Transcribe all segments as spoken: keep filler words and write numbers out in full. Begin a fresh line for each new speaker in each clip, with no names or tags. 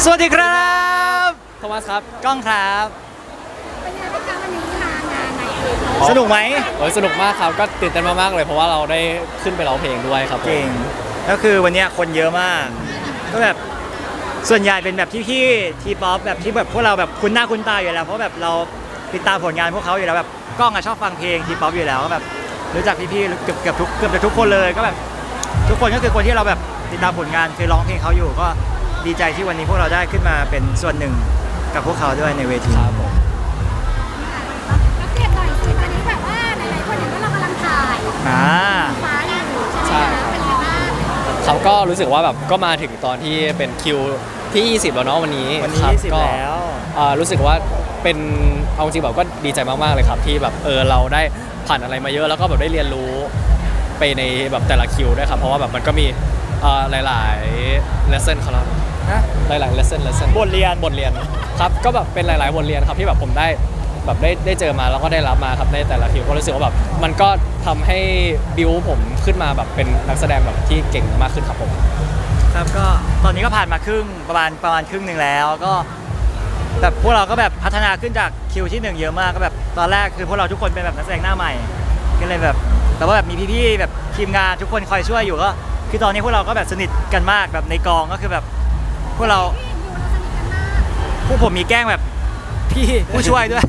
สวัสดีครับ
โทมัสครับ
ก้องครับ
เป็นไงบ้างคะวันนี้มางานไหนเอ่ย
สนุกไหม
โอ้ยสนุกมากครับก็ตื่นเต้นมากๆเลยเพราะว่าเราได้ขึ้นไปร้องเพลงด้วยครับผม
เก่งก็คือวันนี้คนเยอะมากก็แบบส่วนใหญ่เป็นแบบที่พี่ทีป๊อปแบบที่แบบพวกเราแบบคุ้นหน้าคุ้นตาอยู่แล้วเพราะแบบเราติดตามผลงานพวกเขาอยู่แล้วแบบก้องอะชอบฟังเพลงทีป๊อปอยู่แล้วก็แบบรู้จักพี่ๆเกือบเกือบทุกเกือบจะทุกคนเลยก็แบบทุกคนก็คือคนที่เราแบบติดตามผลงานเคยร้องเพลงเขาอยู่ก็ดีใจที่วันนี้พวกเราได้ขึ้นมาเป็นส่วนหนึ่งกับพวกเขาด้วยในเวที
ครับผม
อัปเดตหน่อยสิตอนนี้แบบว่าหลายๆคนเห็นว่าเรากำลังถ่าย
อ่า
ฟ้าอยู่ใช่ไหมคะเป็นไงบ้าง
เขาก็รู้สึกว่าแบบก็มาถึงตอนที่เป็นคิวที่ยี่สิบแล้วเนาะวันนี้
วันนี้ยี่สิบแล้ว
รู้สึกว่าเป็นเอาจริงแบบก็ดีใจมากๆเลยครับที่แบบเออเราได้ผ่านอะไรมาเยอะแล้วก็แบบได้เรียนรู้ไปในแบบแต่ละคิวด้วยครับเพราะว่าแบบมันก็มีหลายๆ lesson ครับหลายๆ lesson lesson
บทเรียน
บทเรียนครับก็แบบเป็นหลายๆบทเรียนครับที่แบบผมได้แบบได้ได้เจอมาแล้วก็ได้รับมาครับในแต่ละคิวก็รู้สึกว่าแบบมันก็ทำให้บิวผมขึ้นมาแบบเป็นนักแสดงแบบที่เก่งมากขึ้นครับผม
ครับก็ตอนนี้ก็ผ่านมาครึ่งประมาณประมาณครึ่งหนึ่งแล้วก็แบบพวกเราก็แบบพัฒนาขึ้นจากคิวที่หนึ่งเยอะมากก็แบบตอนแรกคือพวกเราทุกคนเป็นแบบนักแสดงหน้าใหม่ก็เลยแบบแต่ว่าแบบมีพี่ๆแบบทีมงานทุกคนคอยช่วยอยู่ก็คือตอนนี้พวกเราก็แบบสนิทกันมากแบบในกองก็คือแบบพวกเราพวกผมมีแกล้งแบบพี่ผู้ช่วยด้วย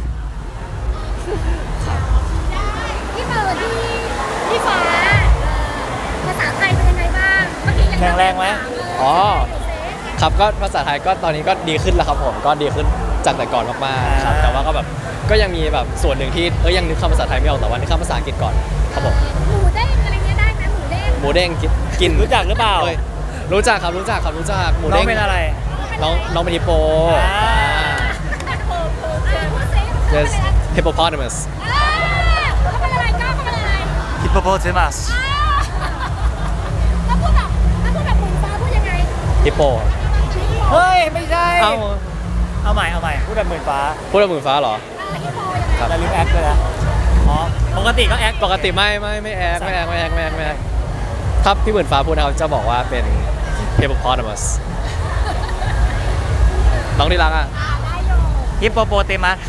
พี่เบิร์ดพี่พี่ฟ้าภาษาไทยเป็นยังไงบ้างเมื่อกี้ยัง
แข็งแรงไหม
อ๋อครับก็ภาษาไทยก็ตอนนี้ก็ดีขึ้นแล้วครับผมก็ดีขึ้นจากแต่ก่อนมากๆครับแต่ว่าก็แบบก็ยังมีแบบส่วนหนึ่งที่เอ้ยยังนึกคำภาษาไทยไม่ออกแต่ว่านึกคำภาษาอังกฤษก่อนครับผม
หมูเด้งอะไรเงี้ยได้ไหมหมูเด้ง
หมูเด้งกิน
รู้จักหรือเปล่า
รู้จักครับรู้จักครับรู้จักหมู
น้อ
เด้ง
งเป็นอะไร
น้องน้องเป็นฮิปโป yes hippopotamus
เขาเป็นอะไรก้าวเขาเป็นอะไร
hippopotamus
ถ้าพูดแบบถ้าพูดแบบหมูฟ้าพูดยังไง
ฮิปโป
เฮ้ยไม่ใช่
เอา
เอาใหม่เอาใหม่พูดแบบหมื่นฟ้า
พูดแบบหมื่นฟ้าเหรอ
ครับแล้วลืมแอคเลยนะอ๋อปกติก็แอค
ปกติไม่ไม่ไม่แอคไม่แอคไม่แอคไม่แอคไม่แอคครับพี่หมื่นฟ้าพูดเขาจะบอกว่าเป็น hippopotamus น้องที่รักอ่ะ
ฮิปโปโปเตมัส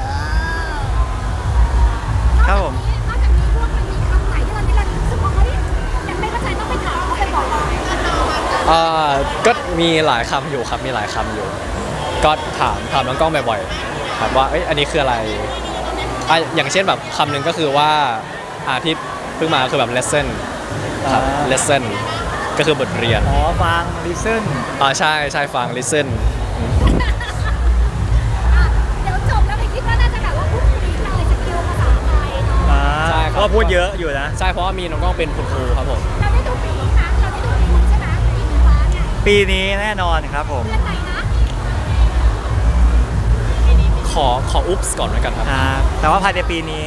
ครับผม
นอกจากนี้พวกมันมีคำไหนที่เราที่เรารู้สึกว่าเฮ้ยยังไม่เข้าใจต้องไปถามเขาไปบอก
เอ่อก็มีหลายคำอยู่ครับมีหลายคำอยู่ก็ถามถามน้องกล้องบ่อยๆถามว่าเอ้ยอันนี้คืออะไรอ่ะอย่างเช่นแบบคำหนึ่งก็คือว่าอาที่เพิ่งมาคือแบบ lesson ครับ lesson ก็คือบทเรียน
อ๋อฟัง listen
อ่าใช่ใช่ฟัง listen
เดี๋ยวจบแล้วไปคิดว่าน่าจะแบบว่าพูดคุยเลยสกิลภาษาไทยเนาะ
ใช่เพราะพูดเยอะอยู่นะ
ใช่เพราะว่ามีน้องกล้องเป็นคุณครูครับผม
เราได้ดูปีนี้นะเราได้ดูปีนี้ใช่ไหมปีนี้ฟ้าเนี่ย
ปีนี้แน่นอนครับผม
เรื่องไหนนะ
ขอขออุ๊บส์ก่อนแล้วกันครับ
แต่ว่าภายในปีนี้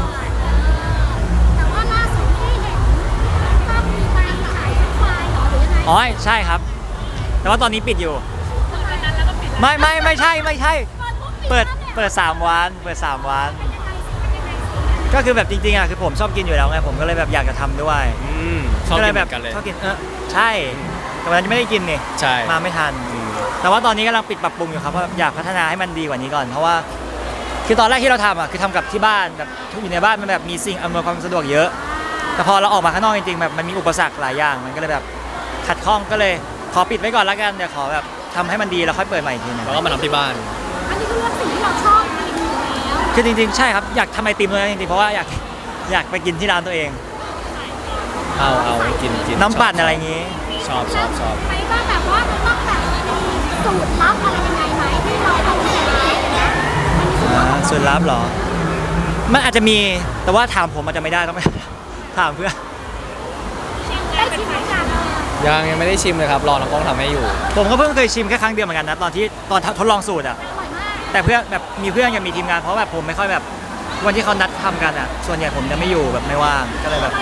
แต่ว่าล่าสุดที่เห็นภาพมีการขายไฟล์หรอหรือยังไง
อ๋อใช่ครับแต่ว่าตอนนี้ปิดอยู่ไม่ไม่ไม่ใช่ไม่ใช่เปิดเปิดสามวันเปิดสามวันก็คือแบบจริงๆอ่ะคือผมชอบกินอยู่แล้วไงผมก็เลยแบบอยากจะทำด้วย
ชอบกิน
แบบ
กันเลย
ชอบกินเออใช่แต่วันนั้นไม่ได้กินนี่
ใช่
มาไม่ทันแต่ว่าตอนนี้กำลังปิดปรับปรุงอยู่ครับเพราะอยากพัฒนาให้มันดีกว่านี้ก่อนเพราะว่าคือตอนแรกที่เราทำอ่ะคือทำกับที่บ้านแบบอยู่ในบ้านมันแบบมีสิ่งอำนวยความสะดวกเยอะแต่พอเราออกมาข้างนอกจริงๆแบบมันมีอุปสรรคหลายอย่างมันก็เลยแบบขัดข้องก็เลยขอปิดไว้ก่อนแล้วกันเดี๋ยวขอแบบทำให้มันดีแล้วค่อยเปิดใหม่อีกทีนึง
แล้วก็มาทำที่บ้าน
อันนี้คือเรื่องสิ่งที่เราชอบกินอยู่แล้ว
คือจริงๆใช่ครับอยากทำไอติมเลยจริงๆเพราะว่าอยากอยากไปกินที่ร้านตัวเอง
เอาเอากินกิน
น้ำปั่นอะไรอย่างงี้
ชอบชอบชอบ
ไม่ว่าแบบว่ามันต้องแบบสูตรลับอะไรยังไงไหมที่เราต้องใช้
สูตรลับเหรอมันอาจจะมีแต่ว่าถามผมอาจจะไม่ได้ต้องไปถามเพื่อน
ได้ชิมไหมกัน
ยังยังไม่ได้ชิมเลยครับรอน้องกล้องทำให้อยู่
ผมก็เพิ่งเคยชิมแค่ครั้งเดียวเหมือนกันนะตอนที่ตอนทดลองสูตรอ่ะแต่เพื่อนแบบมีเพื่อนยังมีทีมงานเพราะแบบผมไม่ค่อยแบบวันที่เขานัดทำกันอ่ะส่วนใหญ่ผมจะไม่อยู่แบบไม่ว่างก็เลยแบบ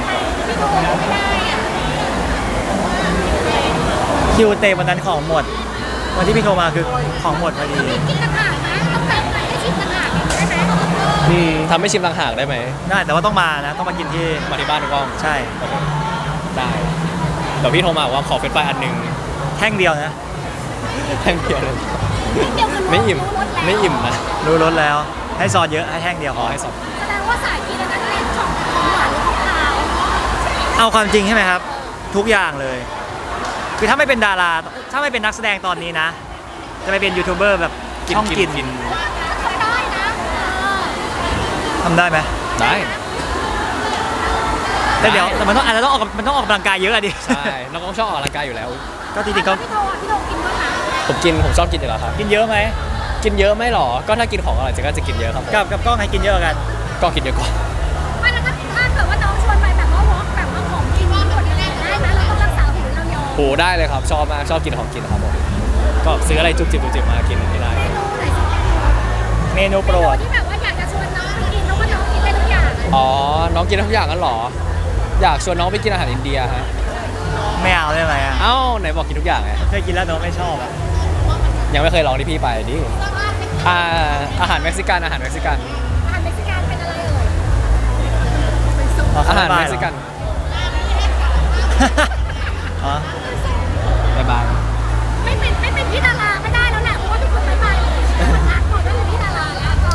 คิวเตวันนั้นของหมดวันที่พี่โทรมาคือของหมดพอดี
กินต่างหากนะต้องแบบไหนให้ชิมต่างหากได้ไหม
อืมทำให้ชิมต่างหากได้ไหม
ได้แต่ว่าต้องมานะต้องมากินที่
มาที่บ้านน้องกล้อง
ใช่
ได้เดี๋ยวพี่โทรมาว่าขอเฟรนช์ฟรายอันนึง
แท่งเดียวนะ
แท่งเดียวเลย
เดี๋ยวคือรู้
ไม่อิ่ม
รู้รสแล้ว
ไม่อิ่มนะ
รู้รสแล้วให้ซอสเยอะให้แห้งเดียว
ข
พ
อ
อ
ให้สอบ
แสดงว่าสายกินอันนั้นเน้นของของหวานหรือของคาว
เอาความจริงใช่ไหมครับ ทุกอย่างเลย คือถ้าไม่เป็นดารา ถ้าไม่เป็นนักแสดงตอนนี้นะ จะไปเป็นยูทูบเบอร์แบบช่องกิน
กิน
ทำได้นะเออ
ทำได้ไหม
ได้
แต่เดี๋ยวแต่มันต้องอาจจะต้องออกมันต้องออกกำลังกายเยอะอะดิ
ใช่น้องก็ชอบออกกำลังกายอยู่แล้ว
ก็จริงๆก็
พี่โทอ่ะพี่โทกินบ้างนะ
ผมกินผมชอบกินอยู่แล้วครับ
กินเยอะไหม
กินเยอะไหม่หรอ ก็ถ้ากินของอร่อยจะก็จะกินเยอะครับผม
กับกับกล้องให้กินเยอะกัน
ก็กินเยอะกว่า
ไม่แล้วถ้าถ้าเกิดว่าน้องชวนไปแบบว่าวอล์กแบบว่าของกินหมดอะไรได้ไหมเราต้องรักษาหุ่นเรายอม
โหได้เลยครับชอบมากชอบกินของกินครับผมก็ซื้ออะไรจุบจิบจุบจิบมากินให้ได้
เมนูไหนสิ
เมนูโปร
เมนู
ด
ที่แบบว่าอยากจะชวนน้องไปกินเพราะว่าน้องกินได้ทุกอย่างอะ
อ๋อน้องกินทุกอย่างกันเหรอ อยากชวนน้องไปกินอาหารอินเดียฮะ
ไม่เอาได้ไหมอ่ะ
เอ้าไหนบอกกินทุกอย่างไง
เคยกินแล้วน้องไม่ชอบอ่ะ
ยังไม่เคยลองที่พี่ไปดิอ่าอาหารเม็กซิกันอาหารเม็กซิกัน
อาหารเม็กซิกันเป็นอะไรเอ่ยเป็นซุป
อาหารเม็กซิกัน
อ๋อ
บ๊ายบาย
ไม่เป็นไม่เป็นพี่ดาราไม่ได้แล้วแหละเพราะว่าทุกคนไม่ไปมันทักหมดว่าเป็นพี่ดาราแล้วก็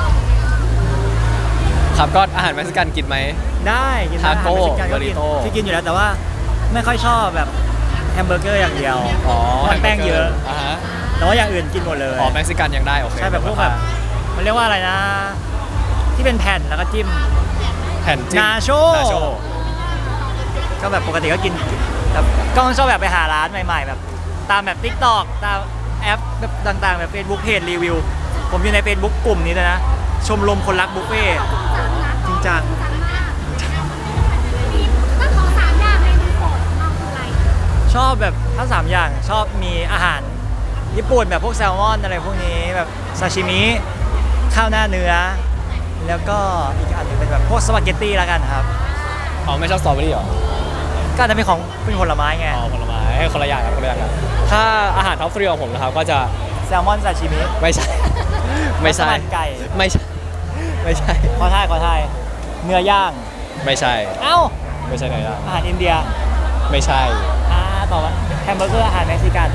ครับก็อาหารเม็กซิกันกินไหม
ได้กินได้
ทาโก้
อาหารเม็กซิกันก็กิน
บริโต้
ที่กินอยู่แล้วแต่ว่าไม่ค่อยชอบแบบแฮมเบอร์เกอร์อย่างเดียว
อ๋อ
มันแป้งเยอะ
อ่าฮะ
แต่ว่าอย่างอื่นกินหมดเลย
อ๋อเม็กซิกันยังได้โอเค
ใช่แบบพวกแบบมันเรียกว่าอะไรนะ ที่เป็นแผ่นแล้วก็จิ้ม
แผ่นจิ้ม
นาโช
นาโช
ก็แบบปกติก็กินแบบก็ชอบแบบไปหาร้านใหม่ๆ แบบตามแบบ ทิกตอก ตามแอปแบบต่างๆ แบบ Facebook เพจรีวิว ผมอยู่ใน Facebook กลุ่มนี้เลยนะ ชมรมคนรักบุฟเฟ่ต์ จริงจัง
จังมากมีก็ขอสามอย่างเมนูโปรดของเราคืออะไร
ชอบแบบถ้าสามอย่างชอบมีอาหารญี่ปุ่นแบบพวกแซลมอนอะไรพวกนี้แบบซาชิมิข้าวหน้าเนื้อ แล้วก็อีกอันหนึงเป็นแบบพวกสปาเกตตี้แล้วกันครับ
อ๋อไม่ชอบสตรอเบอรี่เหรอ
ก็อาจจะเป็นของเป็นผลไม้ไง
อ๋อผลไม้ให้คนละอย่างครับคนละอย่างครับถ้าอาหารท็อปทรีของผมนะครับก็จะ
แซลมอนซาชิมิ
ไม่ใช่ ไม่ใช่
มัสมั่นไก่
ไม่ใช่ไม่ใช่
ขอทายขอทายเนื้อย่าง
ไม่ใช่
เอ้า
ไม่ใช่ไหนล่ะ
อาหารอินเดีย
ไม่ใช่
อ่าต่อมาแฮมเบอร์เกอร์อาหารเม็กซิกัน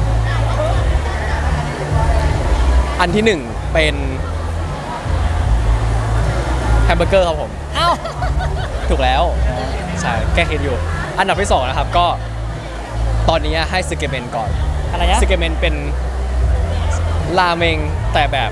อันที่หนึ่งเป็นแฮมเบอร์เกอร์ครับผม
เอ้า
ถูกแล้วใช่แก้คิดอยู่ อันดับที่สองนะครับก็ตอนนี้ให้ซึเกเมนก่อน
อะไรนะ
ซึเกเมนเป็นราเมงแต่แบบ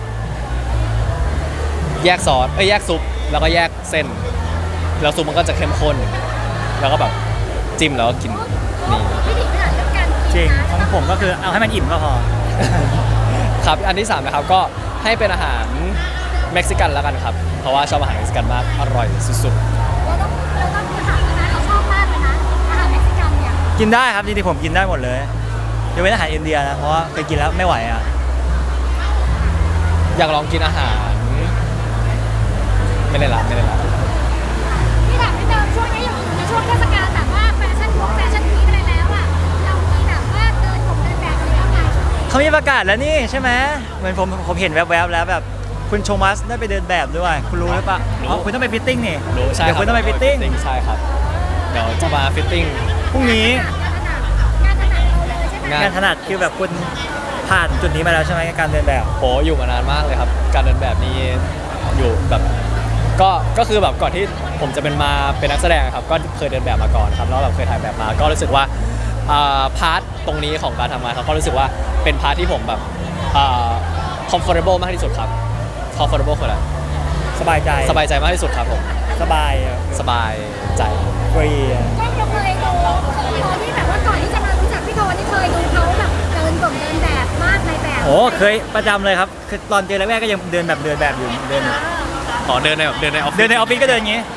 แยกซอสเอ้ยแยกซุปแล้วก็แยกเส้น แล้วซุปมันก็จะเข้มข้น แล้วก็แบบจิ้มแล้วก็กินนี่
พิถีพิถันเรื่องการ
จ
กิ
ริ
น
ง
นะ
ของผมก็คือเอาให้มันอิ่มก็พอ
ครับอันที่สามนะครับก็ให้เป็นอาหารเม็กซิกันแล้วกันครับ เพราะว่าชอบอาหารเม็กซิกันมากอร่อยสุด
เราต้องเราต้องไปหาแล้วนะเราชอบมากเลยนะอาหารเม็กซิกันเนี่ย
กินได้ครับจริงๆผมกินได้หมดเลยยกเว้นอาหารอินเดียนะเพราะว่าเคยกินแล้วไม่ไหวอ่ะ
ๆอยากลองกินอาหาร ไม่ได้ละไม่ได้ละ
ที่ถามไม่เดิมช่วงนี้อยู่ในช่วงเทศกาลแบบว่าแฟชั่นวงแฟชั่นวีคอะไรแล้วอ่ะเรามีแบบว่าเดินผมเดินแบบอะไรบ้างไหม
เขามีประกาศแล้วนี่ใช่ไหมเหมือนผมผมเห็นแวบๆแล้วแบบคุณโชมัสได้ไปเดินแบบด้วย คุณรู้หรือเปล่าอ๋อคุณต้องไปฟิตติ้งนี่
รู้ใช่
เดี๋ยว
รับ
คุณต้องไปฟิตติ้ง
ใช่ครับ เดี๋ยวจะมาฟิตติ้ง
พรุ่งนี้
งานถนัดเราเลยใช่ไหม
งาน
งานถนัดคือแบบคุณผ่านจุดนี้มาแล้วใช่ไหมการเดินแบบ
โหอยู่มานานมากเลยครับ การเดินแบบนี้อยู่แบบก็ก็คือแบบก่อนที่ผมจะเป็นมาเป็นนักแสดงครับก็เคยเดินแบบมาก่อนครับแล้วแบบเคยถ่ายแบบมา ก็รู้สึกว่าอ่าพาร์ทตรงนี้ของการทำงานครับก็รู้สึกว่าเป็นพาร์ทที่ผมแบบอ่า comfortable มากที่สุดครับ comfortable คืออะไร
สบายใจ
สบายใจมากที่สุดครับผม
สบายอะ
สบายใจ
ฟรีอะ
ก็เราเคยดูตอนที่แบบว่าก่อนที่จะมารู้จักพี่โทนี่เคยดูเขาแบบเดินผมเดินแบบมากในแบบ
โอ้เคยประจำเลยครับคือตอนเจอแรกๆก็ยังเดินแบบเดินแบบอยู่เดิน
อ๋อเดินในแบบเดินในออฟฟิศ
เดินในออฟฟิศก็เดินอย่างงี้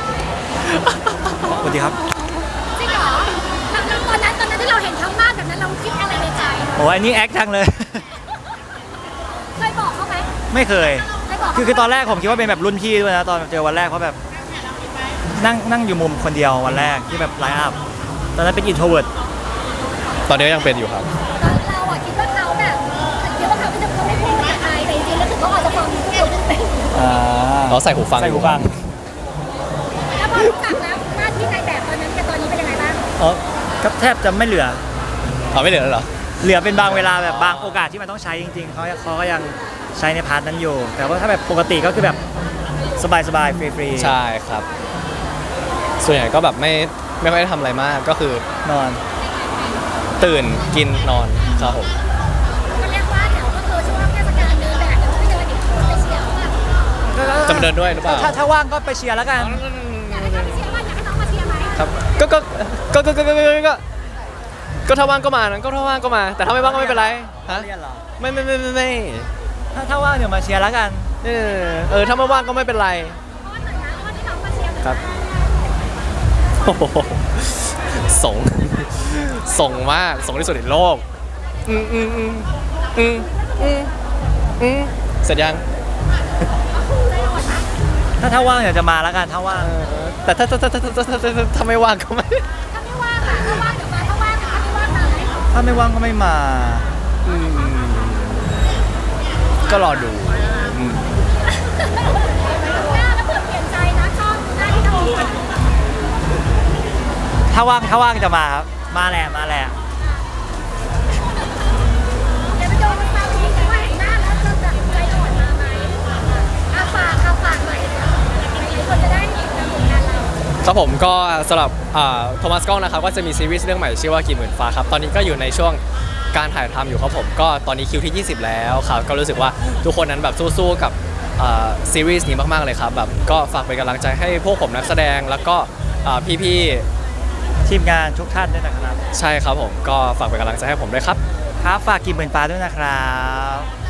สวัสดีครับ
จริงเหรอแล้วตอนนั้นตอนนั้นที่เราเห็นเขามากแบบนั้นเราคิดอะไรในใจ
โอ้อันนี้แอคจังเลย
เคยบอกเขาไหม
ไม่เคย
เคยบอกเขาไหม
คือคือตอนแรกผมคิดว่าเป็นแบบรุ่นพี่ด้วยนะตอนเจอวันแรกเพราะแบบนั่งนั่งอยู่มุมคนเดียววันแรกที่แบบไลน์อัพตอนนั้นเป็นอินโทรเวิร์ด
ตอนนี้ก็ยังเป็นอยู่ครับ
เราอะคิดว่าเขาแบบคิดว่าเขาไม่เขาไม่พูดภาษาไทยแต่จริงๆแล้วคือเขาอาจจะฟังทุกคนเป็น
อ่า
เราใส่หูฟัง
ใส่หูฟัง
แล้วพอรู้จักแล้วหน้าที่ในแบบตอนนั้นกับตอนนี้เป็นยังไงบ้าง
อ๋อก็แทบจะไม่เหลือ
เอาไม่เหลือแล้วเหรอ
เหลือเป็นบางเวลาแบบบางโอกาสที่มันต้องใช้จริงๆเขาเขาก็ยังใช้ในพาร์ทนั้นอยู่ แต่ว่าถ้าแบบปกติก็คือแบบสบายๆฟรีๆ
ใช่ครับ ส่วนใหญ่ก็แบบไม่ไม่ค่อยได้ทำอะไรมากก็คือน
อน
ตื่นกินนอนครับผม
ก็เรียกว่าเดี๋ยวก็คือช่วงเทศกาลเดินแบบเดี๋ยวไม่เดินอีกคนไปเชียร์ว่า
จะมาเดินด้วยหรือเปล่า
ถ้าถ้าว่างก็ไปเชียร์แล้วกัน
อยากให้เขาไปเชียร์ว่าอยากให้น้องมาเชียร์ไหม
ครับก็ก็ก็ก็ก็ก็ก็ก็ก็ถ้าว่างก็มานะก็ถ้าว่างก็มา แต่ถ้าไม่ว่างก็ไม่เป็นไรฮะ
เรียนเหรอ
ไม่ไม่ไม่ไม่ไม่
ถ้าถ้าว่างเดี๋ยวมาเชียร์แล้วกัน
เออเออถ้าไม่ว่างก็ไม่เป็นไร
เพราะว่าหน่อยนะเพราะว่าที่น้องมาเชียร์
ครับ โอ้โหส่งส่งมากส่งที่สุดในโลกอืมอืมอืมอืมอืมอืมเสร็จยัง
ถ้าถ้าว่างเดี๋ยวจะมาแล้วกันถ้าว่าง
แต่ถ้าถ้าถ้าถ้าถ้าถ้าถ้าถ้าไม่ว่างก็ไม่
ถ้าไม่ว่างอ่ะถ้าว่างเดี๋ยวมาถ้าว่างถ้าไม่ว่างมาไหม
ถ้าไม่ว่างก็ไม่มา
อืมก็รอดูอืม
หน้าแล้วเผื่อเปลี่ยนใจนะชอบหน้าที่น้องมา
ถ้าว่างถ้าว่างจะมาครับมาแหละมาแหละ
เดี๋ยวไปโดนมันมาทีแต่ว่าเห็นหน้าแล้วจะแบบใจอ่อนมาไหมอาฝากค่ะฝากหน่อยเดี๋ยวหลายคนจะได้เห็นผลงานเรา
ครับผมก็สำหรับโทมัสกล้องนะครับก็จะมีซีรีส์เรื่องใหม่ชื่อว่ากี่หมื่นฟ้าครับตอนนี้ก็อยู่ในช่วงการถ่ายทำอยู่ครับผมก็ตอนนี้คิวที่ ยี่สิบ แล้วครับก็รู้สึกว่าทุกคนนั้นแบบสู้ๆกับอ่าซีรีส์นี้มากๆเลยครับแบบก็ฝากเป็นกำลังใจให้พวกผมนักแสดงแล้วก็อ่าพี่
ทีมงานทุกท่านด้วยนะครับ
ๆใช่ครับผมก็ฝากเป็นกำลังใจให้ผมด้วยครับ
ครับฝากกินหมื่นฟ้าด้วยนะครับ